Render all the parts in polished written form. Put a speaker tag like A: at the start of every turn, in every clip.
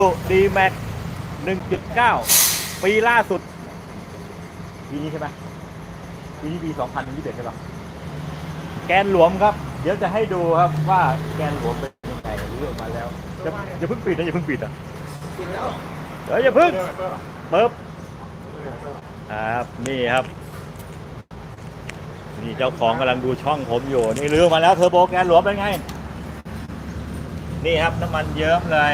A: ดีแม็ก1.9 ปีล่าสุดปีนี้ใช่ไหมปีนี้ปี2021ใช่ปะแกนหลวมครับเดี๋ยวจะให้ดูครับว่าแกนหลวมเป็นยังไงรู้ออกมาแล้วอย่าเพิ่งปิดนะอย่าเพิ่งปิดอ่ะอย่าเพิ่งเปิบครับนี่ครับนี่เจ้าของกำลังดูช่องผมอยู่นี่ลื้อมาแล้วเทอร์โบแกนหลวมเป็นไงนี่ครับน้ำมันเยิ้มเลย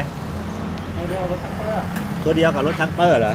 A: ตัวเดียวกับรถทักเปอร์เหรอ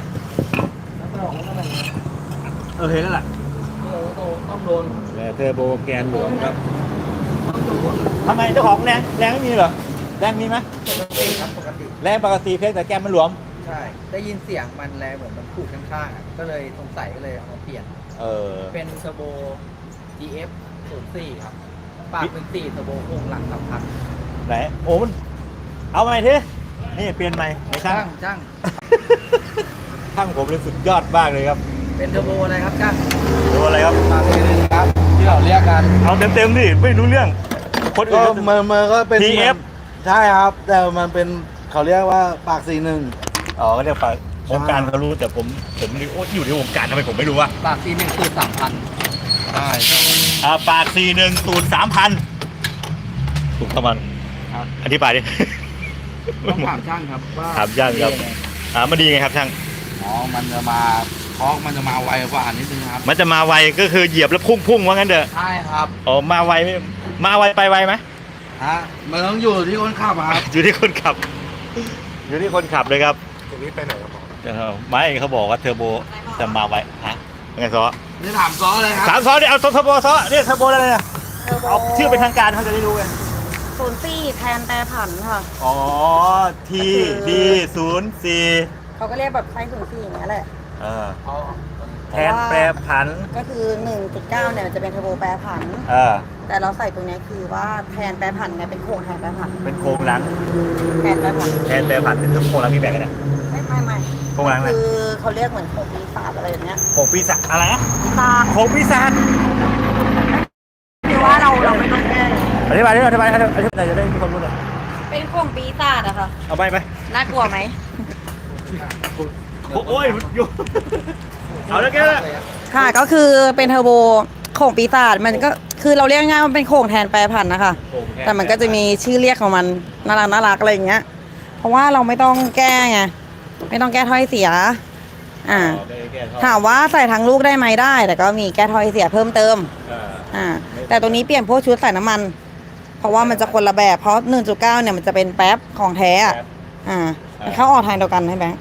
A: เห็นแล้วล่ะ
B: ต้องโดน
A: เทอร์โบแกนหลวมครับทำไมเจ้าของแรงไม่มีเหรอแรงมีไหม
B: ปกติครับปกติ
A: แรงปกติเพียงแต่แกนมันหลวม
B: ใช่ได้ยินเสียงมันแรงเหมือนมันขูดข้างๆก็เลยสงสัยก็เลยเอามาเปลี่ยนเป็นเทอร์โบ GF 04ครับปากเป็น4เทอร์โบโครงหลัง3,000
A: ไหนโอ้มันเอาใหม่ทีนี่เปลี่ยนใหม่ไม่ช่างช่างผมเลยสุดยอดมากเลยครับ
B: เป็นเทอร์โบอะไรครับช่าง
A: ดูอะไรครับ
B: ปากเป็นครับที่เราเรียกกัน
A: เอาเต็มดิไม่รู้เรื่อง
C: คนอื่นก็มันก็เป็น
A: TF
C: ใช่ครับแต่มันเป็นเขาเรียกว่าปาก41
A: ก็เรียกปากวงการเขารู้แต่ผมอยู่ในวงการทำไมผมไม่รู้วะ
B: ปาก41สูตร 3,000ใช่
A: ปาก41สูตร 3,000ถูกประมาณ
B: ครับ
A: อธิบายดิ
B: ต้องถามช่างครับว่า
A: ถามช่างครับมันดีไงครับช่าง
B: มันจะมาทอร์กมันจะมาไวกว่านิดนึงครับ
A: มันจะมาไวก็คือเหยียบแล้วพุ่งว่างั้นเถอะ
B: ใช่ครับ
A: มาไวไม่มาไวไปไวไหม
B: มันต้องอยู่ที่คนขับครับ
A: อยู่ที่คนขับเลยครับ
C: ตรงนี้ไปไหนครับ
A: ไม่เขาบอกว่าเทอร์โบจะมาไวไงซอ
B: นี่ถามซอเลยครับ
A: ถามซอเนี่ยเอาเทอร์โบซอเนี่ยเทอร์โบอะไรเนี่ยเอาชื่อเป็นทางการเขาจะได้รู้ไง
D: 04แทนแปรผันค่ะ
A: ทีดี04
D: เขาก็เรียกแบบไซส์04อย่างเงี้ยแหละ
A: แทนแปรผัน
D: ก็คือ 1.9 เนี่ยมันจะเป็นเทอร์โบแปรผันแต่เราใส่ตรงนี้คือว่าแทนแปรผันไงเป็นโครงแทนแปรผัน
A: เป็นโครงหลัง
D: แทนแปรผัน
A: เป็นโครงหลังมีแบ่งกันเนี่ย
D: ไม่
A: โครงหลัง
D: คือเขาเรียกเหมือนโครงปีศาจอะไรอย่างเงี้ย
A: โครงปีศาจอะไรนะ
D: ปีศาจ
A: โครงปีศาจ
D: คือว่าเราไม่ต้องแก้
A: อธิบายจะได้มีความรู้เลย
D: เป็นโครงปีศาจอะค่ะ
A: เอาไป
D: น่ากลัวไหม
A: โอ้ยอยู่เอาแล้วแก
D: ค่ะก็คือเป็นเทอร์โบโข่งปีศาจมันก็คือเราเรียกง่ายๆมันเป็นโข่งแทนแปรผันนะคะแต่มันก็จะมีชื่อเรียกของมันน่ารักอะไรอย่างเงี้ยเพราะว่าเราไม่ต้องแก้ไงไม่ต้องแก้ถ้อยเสียถามว่าใส่ทั้งลูกได้ไหมได้แต่ก็มีแก้ถ้อยเสียเพิ่มเติมแต่ตัวนี้เปลี่ยนพวกชุดใส่น้ำมันเพราะว่ามันจะคนละแบบเพราะ 1.9 เนี่ยมันจะเป็นแป๊บของแท้มันเข้าออกทางเดียวกันใช่ไหม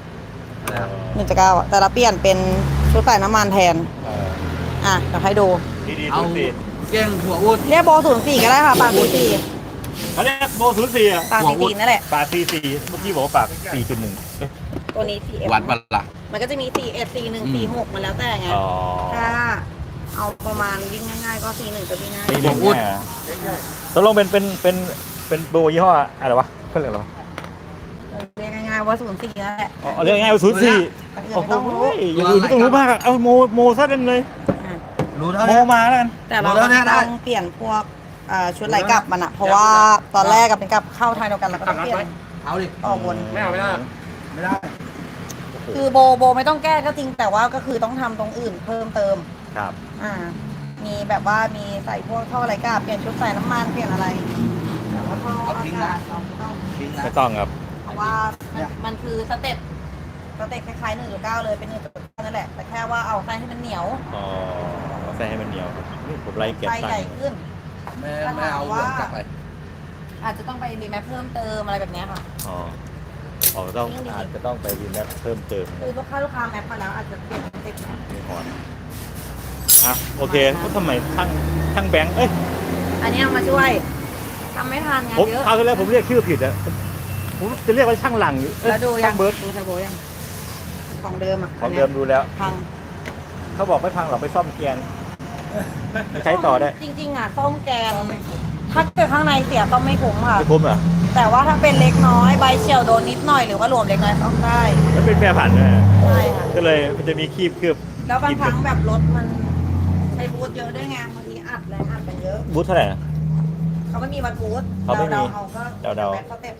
D: 1.9แต่เราเปลี่ยนเป็นชุดใส่น้ำมันแทนเดี๋ยวให้ดู
A: เอา
B: เก้งหัวอุด
D: เรียกโบ04ก็ได้ค่ะปาก04
A: เขาเรียกโบ04
D: ปาก44นั่นแหละ
A: ปาก44เมื่อกี้บอกว่าปาก4.1
D: ตัวนี้4F
B: วัดบัลลัง
D: มันก็จะมี41 41 46มาแล้วแต่ไงถ้าเอาประมาณวิ่งง่ายๆก็41จะวิ่งง่าย
A: หัวอุดตกลงเป็นโบยี่ห้ออะไรวะเขาเรียกอะไรวะ
D: เรียกง่ายๆว่า04นั่นแหละ
A: เรียกง่ายว่า04โอ้โหอย่างอื่นไม่ต้องรู้มากเอาโมซะกันเลย
B: รู้แล้ว
A: โมมาแล้วกัน
D: แต่เราต้องเปลี่ยนพวกชุดไหลกลับมันเพราะว่าตอนแรกกับเป็นกับเข้าทางเดียวกันแล้วก็ต้องเปลี่ยน
B: เอาดิ
D: ออกวน
B: ไม่ได้
D: คือโบไม่ต้องแก้ก็จริงแต่ว่าก็คือต้องทำตรงอื่นเพิ่มเติม
A: ครับ
D: มีแบบว่ามีใส่พวกท่อไหลกลับเปลี่ยนชุดใส่น้ำมันเปลี่ยนอะไรแต่ว่าท่ออากาศ
A: ไม่ต้องครับ
D: เพราะว่ามันคือสเต็ปคล้ายๆ 1.9 เลยเป็น 1.9 นั่นแหละแต่แค่ว่าเอาไส้ให้มันเหนียว
A: ไส้ให้มันเหนียวนี่ผมไล่เก็บ
D: ไส้ใหญ่ขึ้น
B: ไม่เอาวนกลับไป
D: อาจจะต้องไปรีแมปเพิ่มเติมอะไรแบบนี้ค่ะ
A: อาจจะต้องไปรีแมปเพิ่มเติม
D: คือลูกค้าแมปมาแล้วอาจจะเปลี่ยนติด
A: มีหอนโอเคก็ทำไมช่างแบงค์
D: อันนี้เอามาช่วยทำไม่ทันไงเยอะ
A: เอาแล้วผมเรียกชื่อผิดผมจะเรียกว่าช่างหลัง
D: แล้วดูยัง
A: เบิร์ด
D: ดูเทอร์โบยังของเดิม
A: ของเดิมดูแล้ว
D: พัง
A: เขาบอกไม่พังหรอกไปซ่อมแกนใช้ต่อได้
D: จริงๆซ่อมแกนถ้าเกิดข้างในเสียซ่อมไม่คุ้มค่ะ
A: ไม่คุ้มเหรอ
D: แต่ว่าถ้าเป็นเล็กน้อยใบเฉี่ยวโดนนิดหน่อยหรือว่าหลวมเล็กน้อยซ่อมได้
A: แล้วเป็นแปรผันใ
D: ช่ค่ะ
A: ก็เลยมันจะมีคีบเคลือบ
D: แล้วบางครั้งแบบรถมันใช้บูทเยอะด้วยไงบางทีอัดแรงอัดไปเยอะ
A: บูทเท่าไหร่
D: เขาไม่มีวัดบูท
A: เขาไม่มี
D: เขาก็
A: เดา
D: เขาเต็ม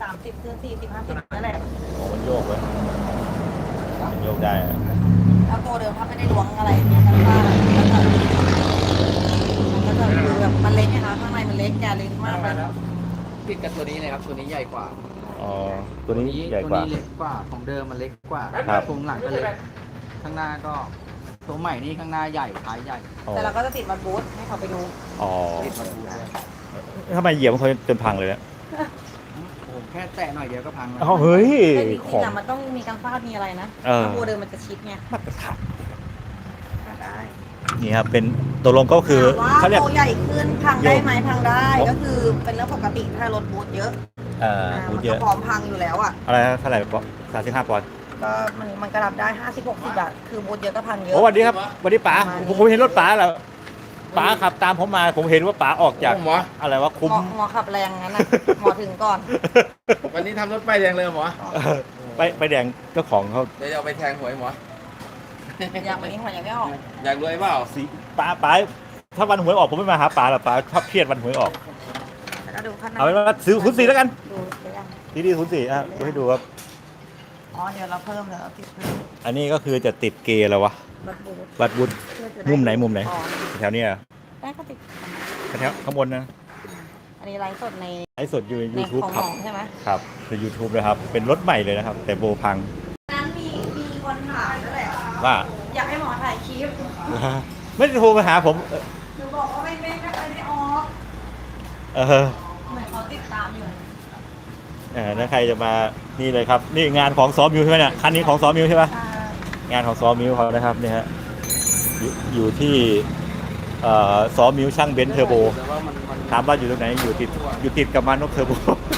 D: 30ขึ้น40 50นั่นแหละ
A: โอ้มันโยกเลยมันโยกได้อะ
D: แล้วโบเดิมถ้าไม่ได้ล้วงอะไรเนี่ยกันว่ามันก็จะคือแบบมันเล็กนะคะข้างในมันเล็กแกเล็กมากเลย
B: ผิดกับตัวนี้เลยครับ ตัวนี้ใหญ่กว่า
A: อ๋อตัวนี้ใหญ่กว่า
B: ตัวนี้เล็กกว่าของเดิมมันเล็กกว่า
A: ครับ
B: ตรงหลังก็เล็กข้างหน้าก็ตัวใหม่นี่ข้างหน้าใหญ่ท้ายใหญ่
A: อ๋อ
D: แต่เราก็จะติดบัตรบูธให้เขาไปดู
A: อ๋อ
B: ติดมาดูด้วย
A: ทำไมเหยียบมันเขาจนพังเลยเนี่ย
B: ผมแค่แตะหน่อยเดียวก็พังแล้ว
A: อ๋อเฮ้ย
D: แต่จริ
A: ของ
D: ๆอะมันต้องมีการฟาดมีอะไรนะ
A: เออ
D: ถ้าโบเดิมมันจะชิดไง
A: มาตรฐาน
D: ได้
A: นี่ครับเป็นตกลงก็คือ
D: ว่า
A: เขาเรียก
D: โบใหญ่ขึ้นพังได้ไหมพังได้ก็คือเป็นเรื่องปกติถ้ารถบูธเยอะ
A: พู
D: มั
A: ด
D: น
A: เย
D: ก็
A: อะ
D: พร้อมพังอยู่แล้วอ่ะ
A: อะไรนะเท่าไหร่ปอน35 ปอนด์
D: ก็มันก็รับได้50-60อะคือบูธเยอะก็พังเยอะ
A: โอ้สวัสดีครับสวัสดีป๋า
D: ประมาณนี้
A: ผมเห็นรถป๋าแล้วป๋าขับตามผมมาผมเห็นว่าป๋าออกจาก
C: หมอ
A: อะไรวะคุ้ม
D: หมอขับแรงงั้นนะหมอถึงก่อน
C: วันนี้ทำรถป้ายแดงเลยเหรอหมอ
A: ไปแดงเจ้าของเขา
C: เดี๋ยวจะเอาไปแทงหวยหมอ
D: อย่างวันนี้หัวยังไม่ออก
C: อยากรวยเปล่า
A: สีป๋าถ้าวันหวยออกผมไม่มาหาป๋าหรอกป๋าชอบเครียดวันหวยออก
D: แล้วก็ดูข้างใน
A: เอาเป็นว่าซื้อ04แล้วกัน
D: ดูไปยัง
A: ดี04อ่ะดูให้ดูครับ
D: อ๋อเดี๋ยวเราเพิ่มเดี๋ยวเราติดเพิ่ม
A: อันนี้ก็คือจะติดเกย์แล้ววะ
D: บัตรบูธ
A: วัดวุฒ
D: เพื่อจะด้
A: มุมไหนมุมไหน
D: อ๋อ
A: แถวเนี้ย
D: ได้ก็ติด
A: แถวข้างบนนะ
D: อันนี้ไลฟ์สดใน
A: ไลฟ์สดอยู่ใน
D: ใน
A: YouTube
D: ของ
A: ค
D: ห
A: รั
D: ม
A: บ
D: อใช่ไหม
A: ครับใน YouTube นะครับ เป็นรถใหม่เลยนะครับ แต่โบพัง
D: นั้นมีคนถามนั่นแหละ
A: ว่า
D: อยากให้หมอถ่ายคลิป
A: ไม่ได้โทรมาหาผม
D: หนูบอกว่าไม่เคยได้ออก
A: เออ
D: เหมือนเขาติดตามอยู่
A: ถ้าใครจะมานี่เลยครับ นี่งานของซ้อมมิวใช่ไหมเนี่ยคันนี้ของซ้อมมิวใช่ปะ
D: อ่าง
A: านของซ้อมมิวเขานะครับนี่ฮะอยู่ที่ซ้อมมิวช่างเบนซ์เทอร์โบ
C: แต่ว่ามัน
A: ถามว่าอยู่ตรงไหนอยู่ติดกับมานกเทอร์โบ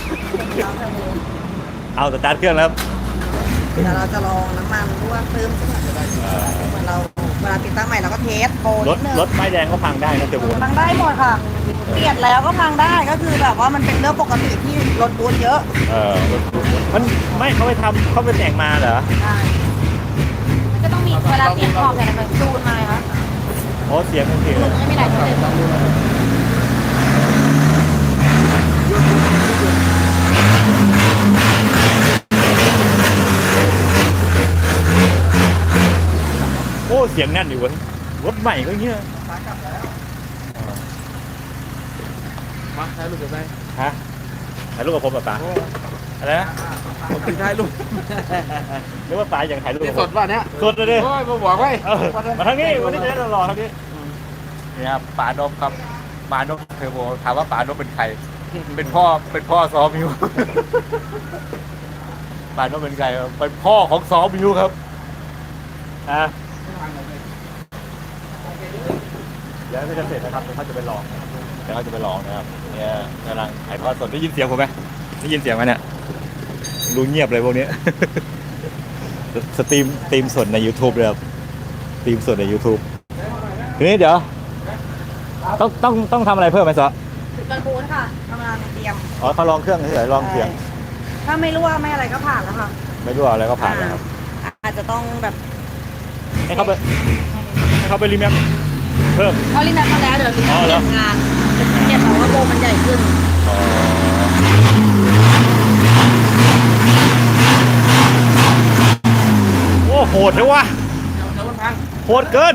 A: เอาสตาร์ทเครื่องแล้ว
D: เดี๋ยวเราจะลองน้ำมันรั่วเพิ่มขึ้นมาเหมือนเราเวลาติดตั้งใหม่เราก็เทสโปร
A: ร
D: นิ
A: ถ
D: ดนึง
A: รถไม้แดงก็พังได้นะเทอร์โบ
D: พังได้หมดค่ะ เปลี่ยนแล้วก็พังได้ก็คือแบบว่ามันเป็นเรื่องปกติที่รถบูธเยอะ
A: มันไม่เขาไปทำเขาไปแต่งมาเหรอ
D: ใช่มันก็ต้องมีเวลาเปลี่ยนขอบแต่ละแบบจูนมาค่ะ
A: โอ้เสียงมันเสียง
D: มันไม่มีหลายตัวเลย
A: โอ้เสียงแน่นอยู่เว้ยรถใหม่ก็เงี้ย
C: มาถ่ายรูปกับใคร
A: ฮะถ่ายรูปกับผมแบบป๋าอะไรนะ
C: ผมติดถ่ายรูป
A: นึกว่าป๋าอย่างถ่ายรูป
C: ที่
A: กับ
C: ส
A: ผ
C: ด
A: ม
C: ป่ะเนี้ย
A: สดเลยดิ
C: โอ้ยมาบอกไว้
A: เออมาทางนี้วันนี้จะได้รอทางนี้นี่ครับป๋านพครับป๋านพเทอร์โบถามว่าป๋านพเป็นใคร เป็นพ่อซ้อมมิว ป๋านพเป็นใครเป็นพ่อของซ้อมมิวครับอ่ะเดี๋ยวจะเสร็จนะครับเดี๋ยวเขาจะไปลองนะครับเนี่ยกำลังถ่ายทอดสดได้ยินเสียงผมไหมได้ยินเสียงไหมเนี่ยดูเงียบเลยพวกนี้ สตรีมสดใน YouTube เลยครับสตรีมสดใน YouTube ทีนี้เดี๋ยวต้องทำอะไรเพิ่มไหมซะ
D: รถบูธค่ะกำลังเตรียม
A: อ๋อเขาลองเครื่องเฉยๆลองเสียง
D: ถ้าไม่รั่วไม่อะไรก็ผ่านแล้วค่ะ
A: ไม่รู้อะไรก็ผ่านแล้วครับ
D: อาจจะต้องแบบ
A: ให้เขาไปรีแมปเพิ่ม
D: เขาลินัทมาแล้วเดี๋ยวลิ
A: อ๋
D: นั
A: อ
D: ท
A: เหรอ
D: เตรียมงานเปลี่ยนเพราะว่าโบมันใหญ่ขึ้น
A: โอ้โหดเลยวะโหดเกิน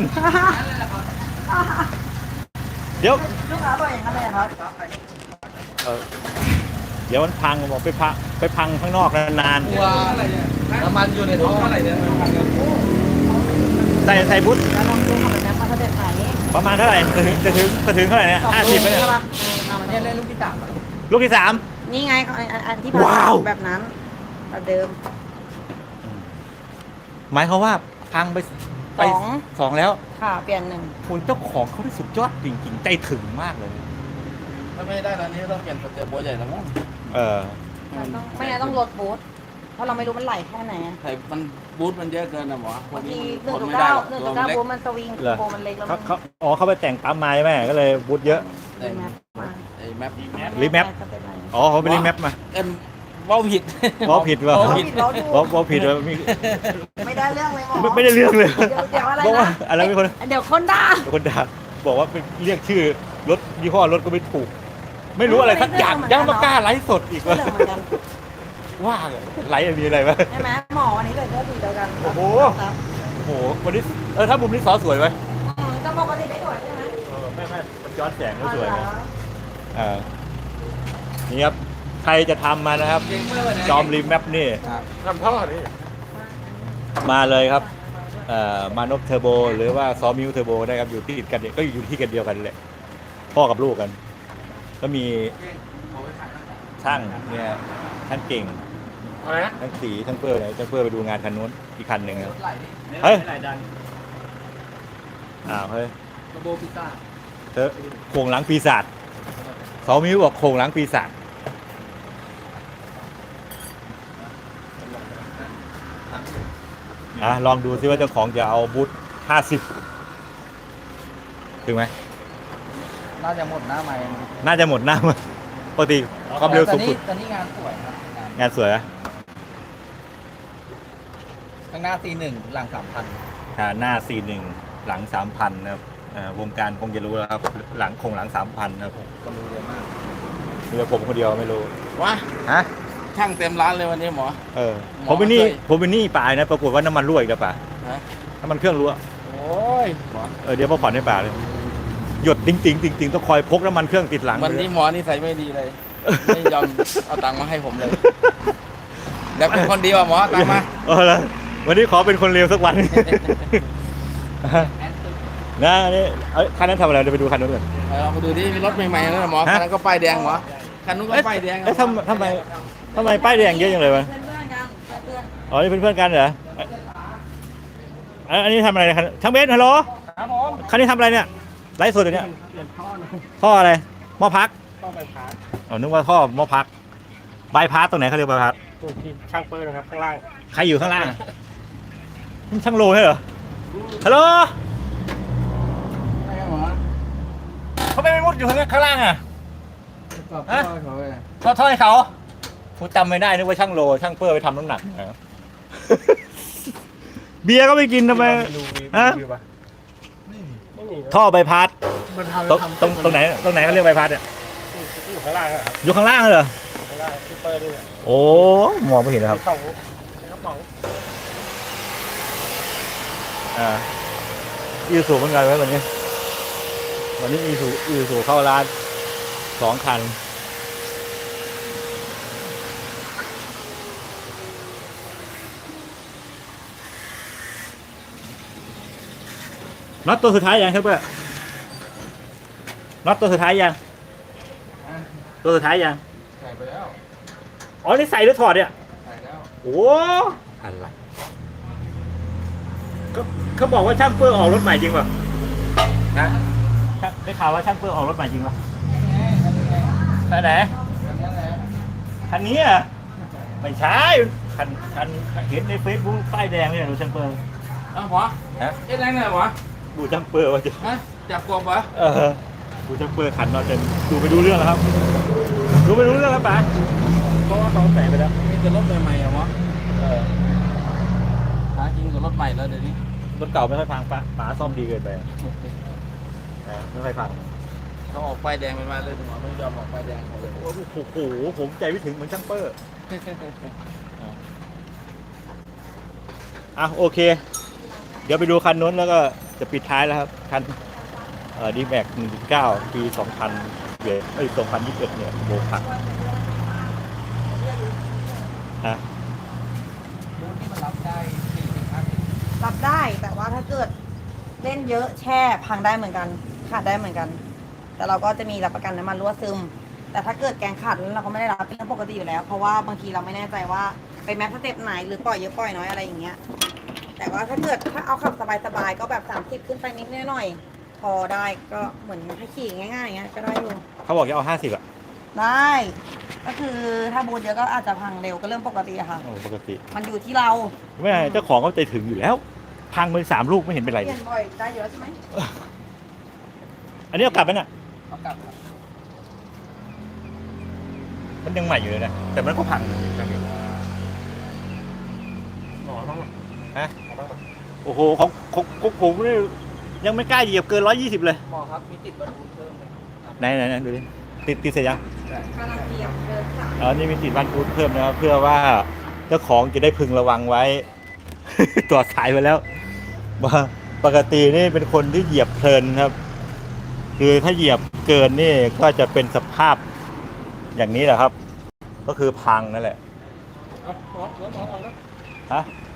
A: เดี๋ยว
D: ลูกค้าบอกอย่างนั้นเลยครับ
A: เดี๋ยวมันพังบอกไปพังข้างนอกนาน
C: ตัวน้ำมันอยู่ในท้องอะไรเนี่ย
A: ๆใส่พุทธ
D: แล้วลองดูของแบบนี้มาสเต็ปไหน
A: ประมาณเท่าไหร่จะถึงเท่าไหร่เนี่ย50ไหมเนี่ย
B: เนี่ยเล่นลูกที่สามอะ
A: ลูกที่
D: นี่ไงอันที่
A: ว้าว
D: แบบนั้นแบบเดิม
A: 3หมายความว่าพังไป
D: สอง
A: 2แล้ว
D: ค่ะเปลี่ยนหนึ่ง
A: คุณเจ้าของเขาได้สุดยอดจริงๆใจถึงมากเลย
C: ถ้าไม่ได้ตอนนี้ต้องเปลี่ยนสเตปโบใหญ่แล้วมั้ง
A: เออ
D: มันต้องไม่งั้นต้องลดบูทเพราะเราไม่รู้มันไหลแค่ไหนอะ
C: ไอ้มันบูทมันเยอะเกินนะหมอบ
D: างที
C: ทน
D: 1.9
C: ไม่ได้หรอก
D: 1.9
C: ตัวมันเล็ก
D: บูทมันสวิง
A: เหรอ
D: โบมันเล็กแล้ว
A: เขาไปแต่งปั๊มไม้แม่ก็เลยบูทเยอะ
D: มีแมปมา
C: ไอ้แมป
A: รีแมป
D: สเต็ปไหน
A: อ๋อเขาไปรีแมปมา
C: เอ็มว่าผิด
A: ว่าผิดว่า
C: ว่าผิด
A: ว่าผิดว่ามี
D: ไม่ได้เรื่องเลยหมอ
A: ไม่ได้เรื่องเลย
D: เดี๋ยวอะไร
A: บอกว่า
D: นะ
A: อะไรมีคน
D: เดี๋ยวคนด่า
A: คนด่าบอกว่าเป็นเรียกชื่อรถยี่ห้อรถก็ไม่ถูก ไม่รู้อะไรสักอย่างยังมากล้าไลฟ์สดอีก
D: เรื่องเหมือนกัน
A: ว่าไหลมีอะไรไหม
D: ใช่ไหมหมอวันนี้ใส่เสื้อสีเดียวกัน
A: โอ้โห
D: ครับ
A: โอ้โหวันนี้ถ้ามุมนี้ซอสวยไหม
D: แต่ปกติไม่สวยใช่ไหม
A: ไม่มันย้อนแสงก็สวย
D: อ๋อ
A: นะ
D: เหรอ
A: นี่ครับใครจะทำมานะครับ จอมรีแมปนี่
C: ทำท่อนี่
A: มาเลยครับมานพเทอร์โบหรือว่าซอมิวเทอร์โบได้ครับอยู่ที่ติดกันเนี่ยก็อยู่ที่กันเดียวกันแหละพ่อกับลูกกัน ก็มีช่างเนี่ยช่างเก่ง
C: อะไรนะ
A: ทั้งสีทั้งเพื่ออะไรทั้งเพื่อไปดูงานคันนู้นอีกคันหนึ่งครับ
B: ไหลดิ
A: เฮ้ย
B: ไหลดัน
A: เฮ้ย
B: ระโบพิซซ่า
A: เธอโครงหลังปีศาจซอมิวบอกโครงหลังปีศาจลองดูซิว่าเจ้าของจะเอาบูท50ถึงไหม
B: น่าจะหมดหน้าใหม่
A: น่าจะหมดหน้ามาปกติความเร็วสูงสุด
B: ตอนนี้งานสวยครับ
A: งานสวยอะ
B: ข้างหน้าC1หลัง3,000
A: หน้า 41 หลัง 3,000 นะครับวงการคงจะรู้แล้วครับ หลังคงหลัง 3,000 นะครับ
B: ก็รู้เยอะมาก
A: มีแต่ผมคนเดียวไม่รู้
C: วะ
A: ฮะ
C: ช่างเต็มร้านเลยวันนี้หมอ
A: เออ
C: หมอ
A: ผมไปนี่
C: ช่วย
A: ผมไปนี่ป่านะปรากฏว่าน้ำมันรั่วอีกแล้วป่า
C: ฮะ
A: น้ำมันเครื่องรั่ว
C: โอ้ยหมอ
A: เดี๋ยวมาผ่อนให้ป่าเลยหยดติ๊งติ๊งติ๊งติ๊งต้องคอยพกน้ำมันเครื่องติดหลัง
C: วันนี้หมอนี่ใส่ไม่ดีเลย ไม่ยอมเอาตังค์มาให้ผมเลยเดี๋ยวเป็นคนดีว่ะหมอเอาตังค์มา
A: แล้ววันนี้ขอเป็นคนเร็วสักวัน นะนี่คันนั้นทำอะไรเดี๋ยวไปดูคันนู้นก่อน
C: เราไปดูที่มีรถใหม่ๆแล้วหมอคันนั้นก็ป้ายแดงหมอคันนู้นก็ป้ายแดง
A: ทำไมป้ายแดงเยอะจังเลยวะ
D: เพื่อนๆกันเพื่อน
A: อ๋อ นี่เป็นเพื่อนกันเหรออันนี้ทำอะไรครับช่างเบสฮัลโหล
C: ครับผม
A: คันนี้ทำอะไรเนี่ย ไลฟ์สดอยู่เนี่ย
C: เปลี่ยนท่อนะ
A: ท่ออะไรหม้อพัก
C: ต้องไปผ่าน
A: อ๋อ นึกว่าท่อหม้อพักบายพาสตรงไหนเขาเรียกบายพาส
C: ตัวที่ช่างเปิดนะครับข้างล่าง
A: ใครอยู่ข้างล่างนี่ช่างโลใช่เหรอ ฮัลโหล
C: ใช่ครับหมอ
A: เขาไม่มุดอยู่ข้างล่างอ่ะ
C: ก็ท่อเขาเลย
A: ท่อให้เขาผมจำไม่ได้นึกว่าช่างโล ช่างเปอร์ไปทำน้ำหนักนะครับ เบียร์ก็ไม่กินทำไมฮะท่อใบพัด
C: มันทำ
A: ตรงไหนเขาเรียกใบพัดเนี่ย
C: อยู่ข้างล่างครับ
A: อยู่ข้างล่างเหรอ
C: ข้างล่างที่เปิดด้วย
A: โอ้มองไม่เห็นนะครับ
C: สองกระป๋อง
A: อีซูเหมือนกันไหมวันนี้อีซูเข้าร้าน2 คันน็อตตัวสุดท้ายยังครับเพื่อนน็อตตัวสุดท้ายยังตัวสุดท้ายยัง
C: ใส่ไปแล้ว
A: อ๋อนี่ใส่หรือถอดเนี่ย
C: ใส่แล้ว
A: โอ้อะไรเขาบอกว่าช่างเปอร์ออกรถใหม่จริงป่ะนะได้ข่าวว่าช่างเปอร์ออกรถใหม่จริงป่ะแต่ไหนคันนี้อ่ะไม่ใช่คันเห็นในเฟซบุ๊กป้ายแดงเนี่ยดูช่างเปอร์
C: เอ้าหมอ
A: ฮะ
C: เอ๊ะแรงเลยหมอ
A: ดูช่างเปอร์ว่าจะ
C: ฮะจับกบเหรอ
A: ดูช่างเปอร์ขันเราจะดูไปดูเรื่องแล้วครับ ดูไปดูเรื่องแล้วป่ะเพราะว่าเขาใส่ไปแล้ว
C: มีแต่รถใหม่ๆเหรอหมอหาจริงกับรถใหม่แล้วเดี๋ยวนี้
A: รถเก่าไม่ค่อยพังป๋าซ่อมดีเกินไปไม่ค่อยพัง
C: เขาออกป้ายแดงไปมาเลยหมอไม่ยอมออกป้ายแดงเขาเลย
A: โอ้โหผมใจไม่ถึงเหมือนช่างเปอร์โอเค เดี๋ยวไปดูคันนู้นแล้วก็จะปิดท้ายแล้วครับ คันดีแม็ก1.9 ปี 2021เนี่ยโบผักฮะ
B: บูธที่มันรับได้40-50
D: รับได้แต่ว่าถ้าเกิดเล่นเยอะแช่พังได้เหมือนกันขาดได้เหมือนกัน แต่เราก็จะมีรับประกันน้ำมันรั่วซึม แต่ถ้าเกิดแกงขาดแล้วเราก็ไม่ได้รับเป็นเรื่องปกติอยู่แล้ว เพราะว่าบางทีเราไม่แน่ใจว่าไปแม็กซ์สเต็ปไหนหรือปล่อยเยอะปล่อยน้อยอะไรอย่างเงี้ยแต่ว่าถ้าเอาขับสบายๆก็แบบ30ขึ้นไปนิดหน่อยพอได้ก็เหมือนให้ขี่ง่ายๆอย่างเงี้ยก็ได้อยู่
A: เขาบอกจะเอา50อ่ะ
D: ได้ก็คือถ้าบูทเยอะก็อาจจะพังเร็วก็เรื่องปกติอะค่ะ
A: โอ้ปกติ
D: มันอยู่ที่เรา
A: ไม่ใช่เจ้าของก็ใจถึงอยู่แล้ว พังไป3 ลูกไม่เห็นเป็นไร
D: เปลี่ยนบ่อยได้เยอะใช่ไหม
A: อันนี้เอากลับไหมน่ะ
B: เอากลับครับ
A: มันยังใหม่อยู่เลยนะแต่มันก็พัง
C: หมอต้อง
A: ฮะโอ้โหของผมนี่ยังไม่กล้าเหยียบเกิน120เลย
B: หมอครับมีติดบรรทุกเพิ่มไหม
A: ไหนดูดิติดเสร็จยัง
D: กำลังเตรียมเดินค่ะ
A: อ๋อนี่มีติดบ้านพุทธเพิ่มนะครับเพื่อว่าเจ้าของจะได้พึงระวังไว้ ตัวสายไปแล้วปกตินี่เป็นคนที่เหยียบเพลินครับ คือถ้าเหยียบเกินนี่ก็จะเป็นสภาพอย่างนี้แหละครับ ก็คือพังนั่นแหละฮะ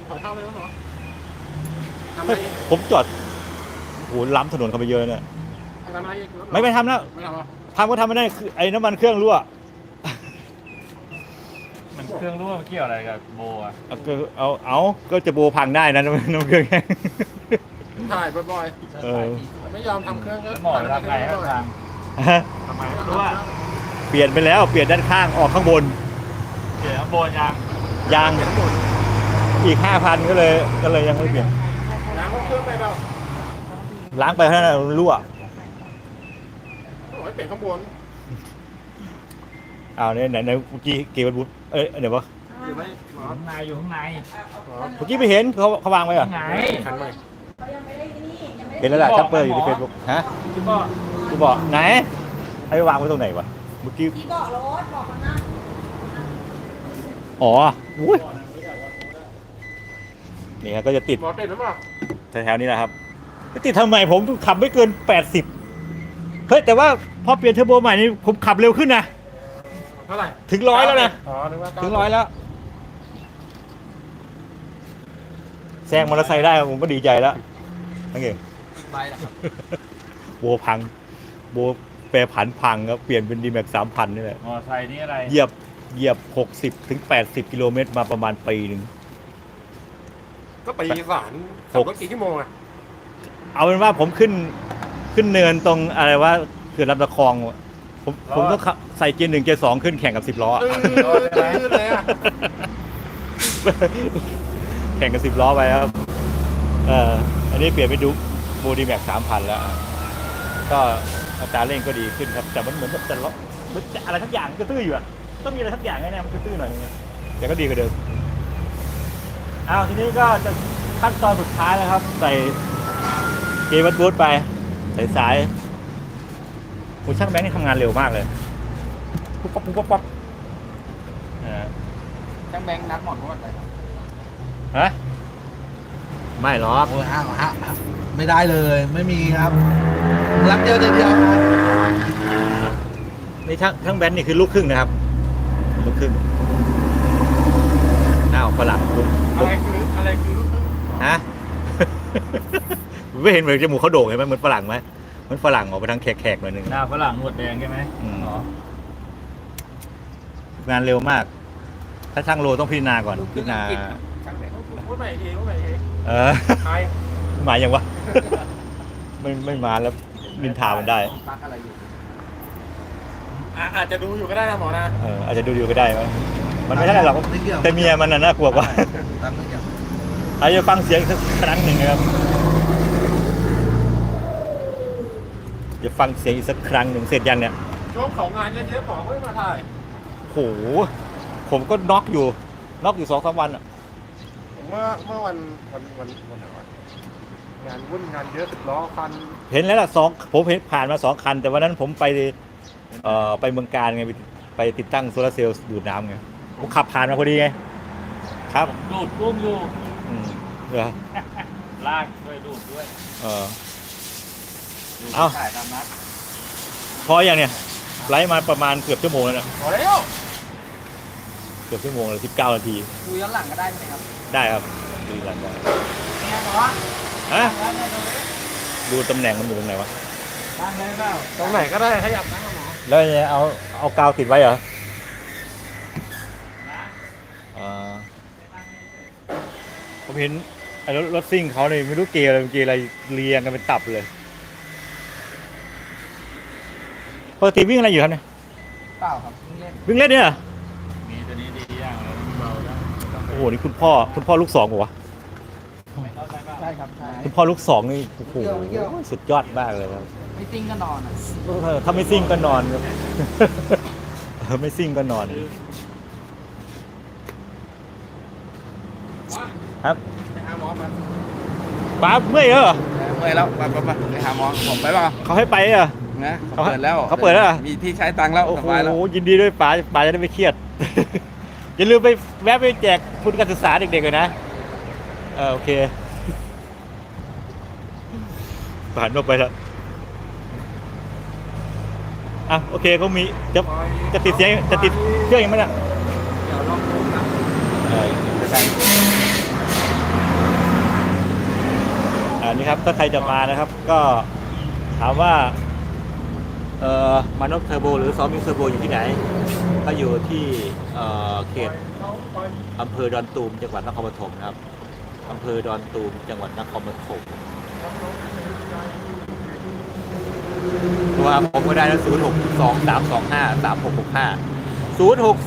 A: เฮ้ยผมจอดโหล้ำถนนเข้าไปเยอะเนี่ยไม่ทำแล้วทำก็ทำไม่ได้คือไอ้น้ำมันเครื่องรั่ว
E: มันเครื่องรั่วเกี่ยวอะไรกับโบอ่ะ
A: เอาก็จะโบพังได้นะน้ำเครื่องแห้ง
F: ถ่ายบ่อย
A: เออ
F: ๆไม่ยอมทำเครื่องก็
E: หมอเวลาใครให้ทาง
A: ฮะ
E: ทำไมไม่รู้ว่า
A: เปลี่ยนไปแล้วเปลี่ยนด้านข้างออกข้างบน
E: เกี่ยวกับโบยาง
A: ยางอีก 5,000 ก็เลยยังไม่เปลี่ยน
F: ล้างเครื่องไปเปล่า
A: ล้างไปเท่านั้นมันรั่ว
F: โอ้ยเปลี่ยนข้างบน
A: อ้าวเนี่ยไหนเมื่อกี้เกวันบุตเดี๋ยววะ
F: อยู่ไหมหมอ
E: ข้างในอยู่ข้างใน
A: เมื่อกี้ไม่เห็นเขาวางไว้เหรอ
E: ข้างใน
F: ขันใหม่
A: เห็นแล้วล่ะชัปเปอร์อยู่ในเฟซบุ๊กฮะ
E: ที่ก็
A: กูบอกไหนไอ้วางไว้ตรงไหนวะเมื่อกี้
D: ที่เบาะรถเบาะข้างหน้า
A: อ๋ออุ้ยนี่ครับก็จะติด
F: หมอติดหรือเปล่า
A: แถวๆนี้แหละครับจะติดทำไมผมขับไม่เกิน 80เฮ้ยแต่ว่าพอเปลี่ยนเทอร์โบใหม่นี่ผมขับเร็วขึ้นนะ
F: เท่าไหร่
A: ถึง100แล้วนะ
F: อ๋อนึกว่า
A: ถึง100แล้วแซงมอเตอร์ไซค์ได้ผมก็ดีใจแล้วนั่นเอง
B: ไปแล้วครับ
A: โบพังโบแปรผันพังครับเปลี่ยนเป็นดีแม็ก3,000นี่แหละ
E: มอไซค์นี่อะไร
A: เหยียบ60 ถึง 80 กิโลเมตรมาประมาณปีหนึ่ง
F: ก็ไปอีสานขับรถกี่ชั่วโมงอะ
A: เอาเป็นว่าผมขึ้นเนินตรงอะไรว่าเขื่อนลำตะคองผมต้องใส่เกียร์1เกียร์2ขึ้นแข่งกับ10 ล้อ
F: ตื้นเลยอะ
A: แข่งกับ10 ล้อไปครับอันนี้เปลี่ยนไปดูโบดีแม็ก3,000 แล้ว ก็อัตราเร่งก็ดีขึ้นครับ แต่มันเหมือนกับจะล้อมันจะอะไรทั้งอย่างมันก็ตื้ออยู่อะต้องมีอะไรทั้งอย่างแน่ๆมันก็ตื้อหน่อยนึงแต่ก็ดีกว่าเดิมทีนี้ก็จะขั้นตอนสุดท้ายแล้วครับ ใส่เกียร์วัดบูทไปใส่สายคุณช่างแบงค์นี่ทำงานเร็วมากเลยปุ๊บปั๊บปุ๊บปั๊บปั๊บ
B: ช่างแบงค์นัดหมอนวดเลย
A: ฮะไม่หรอก
G: โอ้ยไม่ได้เลยไม่มีครับรับเดียวเดียวครับ
A: นี่ช่างแบงค์นี่คือลูกครึ่งนะครับลูกครึ่งฝรั่งลูก
F: อะไรคือลูกครึ่ง
A: ฮะ ไม่เห็นเหมือนจมูกเขาโด่งเห็นไหมเหมือนฝรั่งไหมเหมือนฝรั่งออกไปทางแขกๆหน่อยหนึง
E: หน้าฝรั่งหนวดแดงใช่ไหม
A: อ๋องานเร็วมาก ถ้าช่างโลต้องพิจารณาก่อนพิจารณา
B: ช่างแบงค์
F: พูดใหม่อีกทีพูดใหม่อีกที ใคร
A: มาอย่างวะ ไม่มาแล้วนินทามันได้
B: ปักอะไรอยู่
F: อาจจะดูอยู่ก็ได้นะหมอนะ
A: อาจจะดูก็ได้ไหมมันไม่ใช่หรอก
G: ไม่เกี่ยว
A: แต่เมียมันน่ากลัวกว่า
G: ตั้งไม่เกี่ยว
A: อาจจะฟังเสียงอีกสักครั้งหนึ่งนะครับจะฟังเสียงอีกสักครั้งหนึ่งเสร็จยังเนี่ย
F: ช่วงของงานเยอะๆหมอไม่มาถ่าย
A: โหผมก็น็อกอยู่2-3 วันอ่ะ
F: เมื่อวันไหนวะงานวุ่นงานเยอะ10 ล้อคัน
A: เห็นแล้วล่ะผมเห็นผ่านมา2 คัน แต่วันนั้นผมไปไปเมืองการไงไปติดตั้งโซลาร์เซลล์ดูดน้ำไงผมขับผ่านมาพอดีไงครับ
E: ดูดกุ้งอยู่
A: เหรอ
E: ลากด้วยดูดด้วยดูด
A: เอ้า
E: ถ่ายตามนัด
A: พออย่างเนี่ยไลฟ์มาประมาณเกือบชั่วโมงแล้วนะ
F: พอแล้ว
A: เกือบชั่วโมงเลย19 นาที
B: ดูย้อนหลังก็ได้ไหมครับ
A: ได้ครับดูหลังได้
B: เนี่ยหมอ
A: ฮะดูตำแหน่งมันอยู่ตรงไหนวะ
B: ตั้งได้เปล่า
F: ตรงไหนก็ได้ขยับนะหมอ
A: แล้วเนี่ยเอากาวติดไว้เหรอผมเห็นไอ้รถซิ่งเขาเนี่ยไม่รู้เกียร์อะไรเรียงกันเป็นตับเลยปกติวิ่งอะไรอยู่ครับเนี่ย
B: เปล่าครับเล่น
A: วิ่งเล่นเนี่ยเหรอ
E: มีตัวนี้ดีอย่างเลยเบาได้
A: โอ้โหนี่คุณพ่อลูก2เหรอวะ
B: ใช่ครับใช่
A: คุณพ่อลูก2นี่โอ้โหสุดยอดมากเลยครับ
B: ไม่ติ้งก็นอนอ่ะ
A: ถ้าไม่ซิ่งก็นอนครับ ไม่ซิ่งก็นอนครับ
F: ไปหาหมอมา
A: ป้าเมื่อยเหรอ
C: เมื่อยแล้วไปหาหมอผมไปบ้าง
A: เขาให้ไปเหรอ
C: นะเขาเปิดแล้ว
A: เขาเปิดแล้วเหรอ
C: มีที่ใช้ตังค์แล้ว
A: โอ้
C: ส
A: โห
C: บายแล้ว
A: ยินดีด้วยป๋าจะได้ไม่เครียด อย่าลืมไปแวะไปแจกทุนการศึกษาเด็กๆเลยนะโอเคผ่านออกไปแล้วโอเคเขามีจะติดเสียงจะติดเครื่องยังไงเนี่ย
B: เดี๋ยวลองดูครับ
A: นี่ครับถ้าใครจะมานะครับ ก็ถามว่ามานพเทอร์โบหรือซอมมิงเทอร์โบอยู่ที่ไหนก็อยู่ที่เขตอำเภอดอนตูมจังหวัดนครปฐมนะครับอำเภอดอนตูมจังหวัดนครปฐมตัวผมก็ได้นะ062-325-3665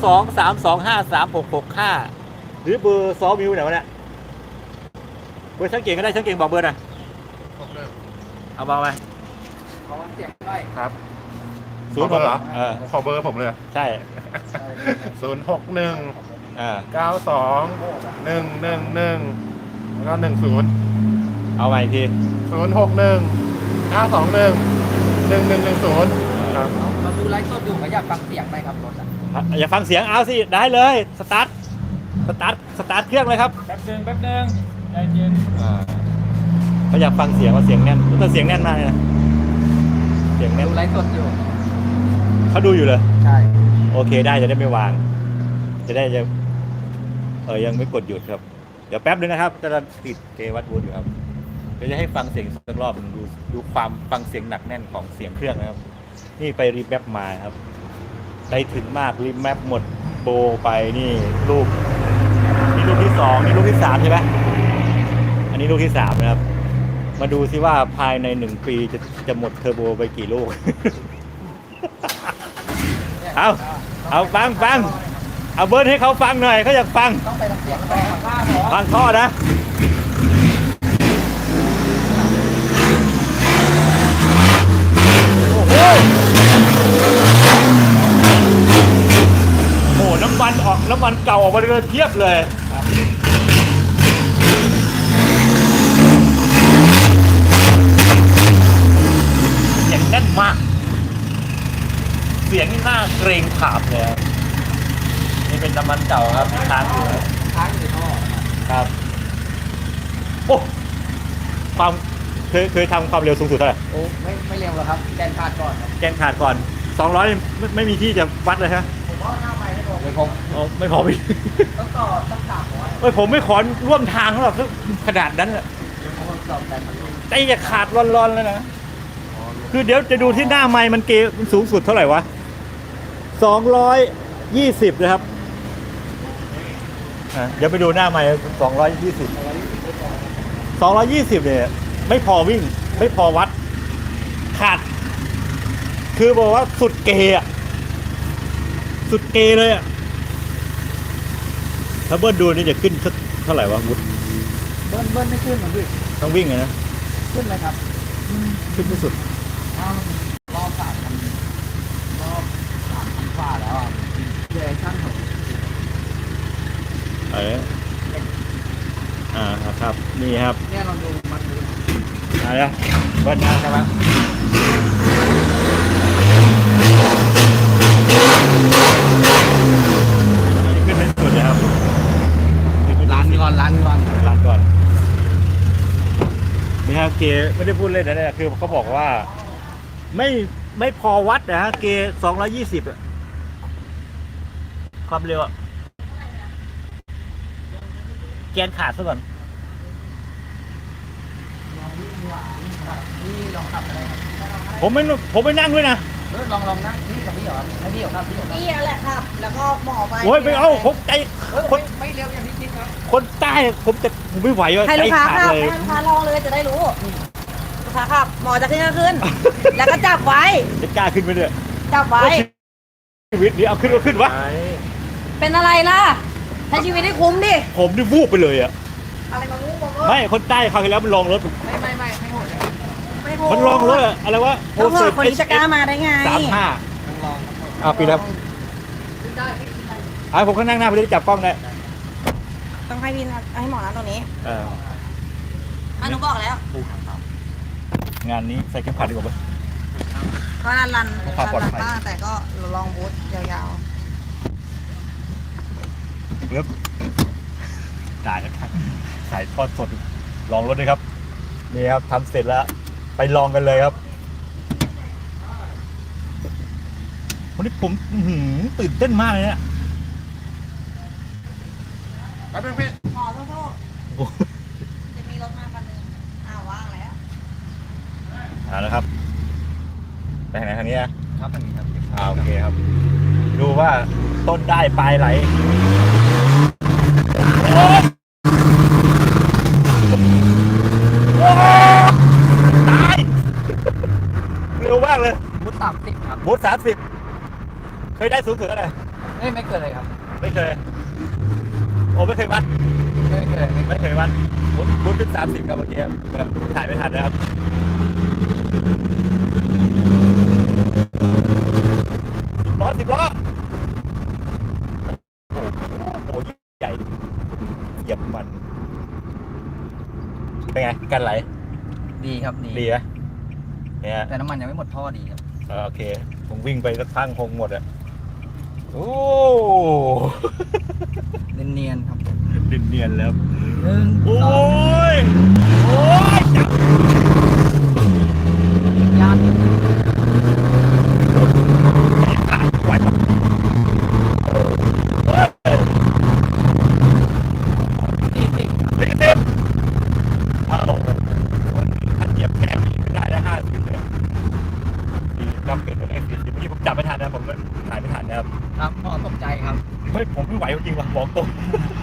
A: 062-325-3665 หรือเบอร์ซอมิวไหนวะเนี่ยเบอร์ช่างเก่งก็ได้ช่างเก่งบอกเบอร์หน่อยเอาบอกไป
B: ขอเสียงด้วย
F: ครับ
A: ศูนย์หกเหรอ
F: ขอเบอร์ผมเลย
A: ใช่
F: 061
A: อ่า
F: 92 111แล้วก็10
A: เอาใหม่อีกที
F: 061 921 1110ครับ
B: เราดูไลฟ์สดอยู่ก็อยากฟังเสียงไหมครับรถอ่ะ
A: อย่าฟังเสียงเอาสิได้เลยสตาร์ทเครื่องเลยครับ
E: แป๊บนึงใจเย็น
A: เขาอยากฟังเสียงว่าเสียงแน่นแต่เสียงแน่นมากเลยนะเสียงแน่น
B: ดูไลฟ์สดอยู่
A: เขาดูอยู่เลย
B: ใช่
A: โอเคได้จะได้ไม่วาง จะได้ยังไม่กดหยุดครับ เดี๋ยวแป๊บนึงนะครับจะติดเกวัตวูดอยู่ครับเดี๋ยวจะให้ฟังเสียงสักรอบนึงดูความฟังเสียงหนักแน่นของเสียงเครื่องนะครับ นี่ไปรีแมปมาครับได้ถึงมากรีแมปหมดโบไปนี่ลูกที่2นี่ลูกที่3ใช่ไหมอันนี้ลูกที่3นะครับ มาดูซิว่าภายใน1ปีจะหมดเทอร์โบไปกี่ลูก เอาฟังเอาเบิร์ดให้เขาฟังหน่อยเขาอยากฟัง
B: ต้องไปทำเสียงต่อข้างหมอ
A: ฟังข้อนะโอ้โหน้ำมันเก่าออกมาเลยเทียบเลยเสียงแน่นมากเสียงนี่น่าเกรงขามเลยนี่เป็นน้ำมันเก่าครับที่ค้างอยู่
B: ค้างอยู่ในท่อ
A: ครับโอ้ความเคยทำความเร็วสูงสุดเท่าไหร่
B: โอ้ไม่เร็วหรอกครับแกนขาดก่อนครับ
A: แกนขาดก่อน200ไม่มีที่จะวัดเลยฮะ
B: ผมว่าหน้าไม้ไม่พอ
A: ไม่พอไม่พอพี่
B: ต้องต่อต้อง300
A: เอ้ยผมไม่ขอร่วมทางหรอกขนาดนั้นอะ
B: ผมต่อแต่มัน
A: ใจจะขาดร้อนๆแล้วนะคือเดี๋ยวจะดูที่หน้าไมค์มันมันสูงสุดเท่าไหร่วะ220นะครับเดี๋ยวไปดูหน้าไมค์220เนี่ยไม่พอวิ่งไม่พอวัดขาดคือบอกว่าสุดเกย์อะสุดเกย์เลยอะถ้าเบิ้ลดูนี่จะขึ้นสักเท่าไหร่วะวุฒ
B: เบิ้ลไม่ขึ้นเหมือนพี่
A: ต้องวิ่งไงนะ
B: ขึ้นไหมครับ
A: ขึ้นไม่สุด
B: รอบ3,000กว่าแล้วอ่ะเจอช่างผม
A: ครับนี่ครับ
B: เนี่ยเราดูมันดู
A: อะไรนะเบิ้ลนะใช่ไหมขึ้นไม่สุดนะครับ
B: ร้านก่อน
A: ร้านก่อนนี่ครับเกไม่ได้พูดเล่นนะเนี่ยคือเขาบอกว่าไม่พอวัดนะฮะเก220อะความเร็วอะแกนขาดซะก่อน
B: นี่ลองขับอะไรครับ
A: ผมไม่นั่งด้วยนะ
B: ลองนะนี่กับพี่เหรอให้พี่เหรอครับพี่เหรอครับ
D: นี่แหละครับ แล้วก็หมอไป
A: โอ้ยไม่เอาผมใจคน
B: ไม่เร็วอย่างที่คิดครับ
A: คนใต้ผมไม่ไหวว่ะ
D: ให้
A: ใจ
D: ลูกค้า
A: ขาด
D: ขับ
A: เลย
D: ให้ลูกค้าลองเลยจะได้รู้ลูกค้าขับหมอจะขึ้นก็ขึ้น แล้วก็จับไว้
A: จะกล้าขึ้นไหมเนี่ย
D: จับไว้
A: ชีวิตนี้เอาขึ้นก็ขึ้นวะ
D: เป็นอะไรล่ะใช้ชีวิตให้คุ้มดิ
A: ผมนี่วูบไปเลยอะ
D: อะไรมางูบอก
A: ไม่คนใต้คราวที่แล้วมันลองรถ
B: ไม่โหดเลย
D: ไม่โห
A: มันลองรถอะอะไรวะ
D: ก็เผื่อคนที่จะกล้ามาได้ไง
A: 35ปีแล้วผมก็นั่งหน้าไปได้จับกล้องได้
D: ต้องให้พี่ให้หมอนะตรงนี้
A: เ
D: หนูบอกแล้ว
A: งานนี้ใส่เข็มขัดดีกว่าปะ
D: ก็รัน
A: ความปลอดภัย
D: บ้างแต่ก็ลองบูทยาว
A: ปึ๊บจ่ายนะครับถ่ายทอดสดลองรถเลยครับ นี่ครับทำเสร็จแล้ว ไปลองกันเลยครับ วันนี้ผมตื่นเต้นมากเลยเนี่ย
F: แป๊บนึงพี่
D: ๆหมอโทษ
A: โอ้โห
D: จะมีรถมาคันนึงว่างแล้ว
A: เอาละครับ ไปทางไหนทางนี้อะ
B: ครับอันนี้ครับ
A: โอเคครับ ดูว่าต้นได้ปลายไหลโอ๊ยโอ๊ยตายเร็วมากเลย
B: มุด30ครับ
A: บูธ30 เคยได้สูงสุดเท่าไหร่
B: ไม่เกินเลยครับ
A: ไม่เคย โอ้ไม่เคยวัด
B: ไม่เกิน
A: ไม่เคยวัดบูธเป็น30ครับเมื่อกี้แบบถ่ายไม่ทันนะครับ10 ล้อโอ้โหใหญ่เหยียบมัน เป็นไง กันไหล
B: ดีครับดี
A: ดีไหมเนี่ย
B: แต่น้ำมันยังไม่หมดท่อดีครับ
A: โอเค ผมวิ่งไปสักพักคงหมดอ่ะ โอ้
B: เนียนๆครับ
A: เนียนๆแล้ว
B: 1
A: โอ้
B: 2
A: ย โอ้ยจับ
B: ยาน
A: ไหวปะ40เอาถ้าเหยียบแค่นี้ไม่ได้แล้ว50เลยดีครับเกิดอะไรขึ้นเมื่อกี้ผมจับไม่ทันนะผมถ่ายไม่ทันนะครับ
B: ครับหมอตกใจครับ
A: เฮ้ยผมไม่ไหวจริงว่ะบอกตรง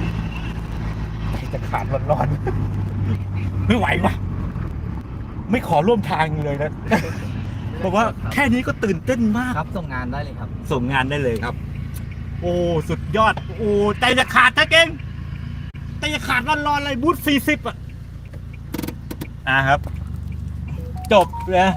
A: จะขาดร้อนๆไม่ไหวว่ะไม่ขอร่วมทางเลยนะบอกว่าแค่นี้ก็ตื่นเต้นมาก
B: ครับส่งงานได้เลยครับ
A: ส่งงานได้เลยครับ โอ้สุดยอด โอ้ใจจะขาดถ้าเก่งใจจะขาดร้อนๆเลยบูธ40ครับ จบเลย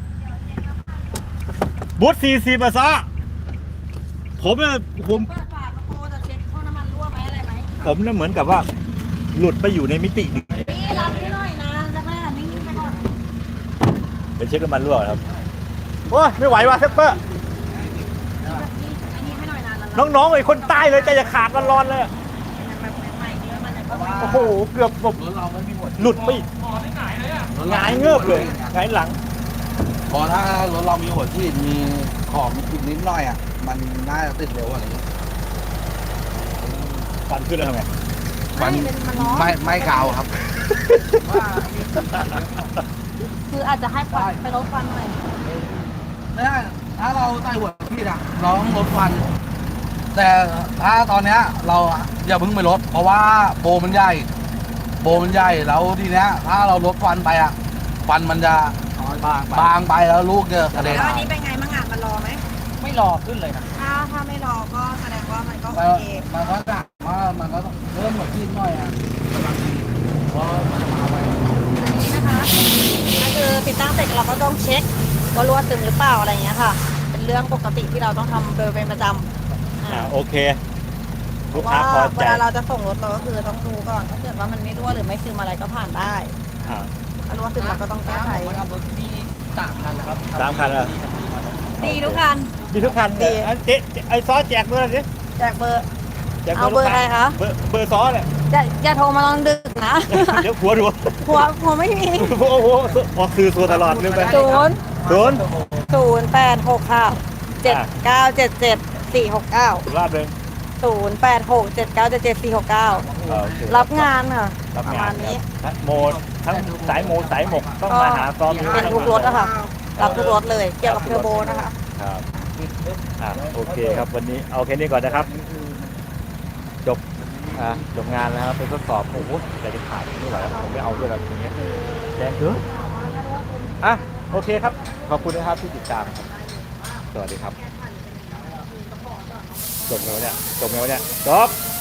A: บูธ40ซะผมเนี่ยผม
D: เปิดฝากระโปรงจะเช็คท่อน้ำมันรั่วไหมอะไรไหม
A: ผมเนี่ยเหมือนกับว่า หลุดไปอยู่ในมิติหนึ่ง
D: นี่รับให้หน่อยนะจะไม่นิ่งๆไปก่อน
A: เป็นเช็คน้ำมันรั่วครับโอ้ยไม่ไหวว่ะเซปเปอร์
D: อันนี้ให้หน่อยนะแล้ว
A: น้องๆไอ้คนใต้เลยใจจะขาดร้อนๆเลย
D: แบบใหม่ๆเยอะมันจะเข้าไป
A: โอ้โหเกือบแบบ
B: รถเราไม่มีหมด
A: หลุดไปอีกหงายเงือบเลยหงายหลัง
C: พอถ้ารถเรามีหัวที่มีของอีกนิดหน่อยอ่ะ มันน่าจะติดเร็วกว่านี้
A: ฟันขึ้นแล้วทำไง
C: มัน
D: มันร้อน
C: ไม่กาวครับ
D: คืออาจจะให้ควันไปลดควันหน่อย
C: ถ้าเราใส่หัวที่อ่ะเราต้องลดควัน แต่ถ้าตอนเนี้ยเราอย่าเพิ่งไปลด เพราะว่าโบมันใหญ่แล้วทีเนี้ย ถ้าเราลดควันไปอ่ะควันมันจะบางไปแล้วลูกจะกระเด็น
D: แล้วอันนี้เป็นไงมั่งอ่ะมันรอไหม
B: ไม่รอขึ้นเลยนะ
D: ถ้าไม่รอก็แสดงว่ามันก็โอ
C: แล้ว
D: เค
C: มันก็จะว่ามันก็ต้องเริ่มหัวที่หน่อยอ่ะเพราะมันจะมาไว
D: อันนี้นะคะก็คือติดตั้งเสร็จเราก็ต้องเช็คว่ารั่วซึมหรือเปล่าอะไรอย่างเงี้ยค่ะ เป็นเรื่องปกติที่เราต้องทำโดยเป็นประจำ
A: โอเค
D: เพ
A: ลูก
D: ราะ
A: ค้า
D: ว่า
A: พอ
D: เว
A: ใจ
D: ลาเราจะส่งรถเราก็คือต้องดูก่อนถ้าเกิดว่ามันไม่รั่วหรือไม่ซึมอะไรก็ผ่านได้
A: อ่า
D: ถ้ารั่วซึมเราก็ต้องแก้ไข
B: ผมทำรถที่3 คันนะครับ
A: 3 คันเหรอ
D: ดีทุกคัน
A: มีทุกคัน
D: ดี
A: อันเจ๊ไอ้ซอสแจกเบอร์สิ
D: แจกเบอร์
A: แจก
D: เอาเบอร์อะไรคะ
A: เบอร์ซอสเนี่ย
D: อย่าโทรมาตอนดึกนะ
A: เดี๋ยวหัวดู
D: หัวไม่มี
A: โอ้โหออกสื่อตัวตลอดเลยไป
D: 0 8 6ค่ะ7977 469
A: รอบหนึ่ง
D: 0867977469 รับงานค่ะ
A: รับ
D: ประ
A: งา
D: มาณ
A: น
D: นี้
A: ทั้งโมดทั้งสายโมสายหมกต้องมาหาซอม
D: เป็นทุกรถอะค่ะ รับทุกรถเลย เกี่ยวกับเทอร์โบนะคะ
A: ครับโอเคครับวันนี้เอาแค่นี้ก่อนนะครับ จบจบงานแล้วครับเป็นทดสอบโอ้โหแต่จะขาดไม่ไหวแล้วผมไม่เอาด้วยแบบนี้แดงเยอะโอเคครับขอบคุณนะครับที่ติดตามครับสวัสดีครับจบแล้วเนี่ยจบ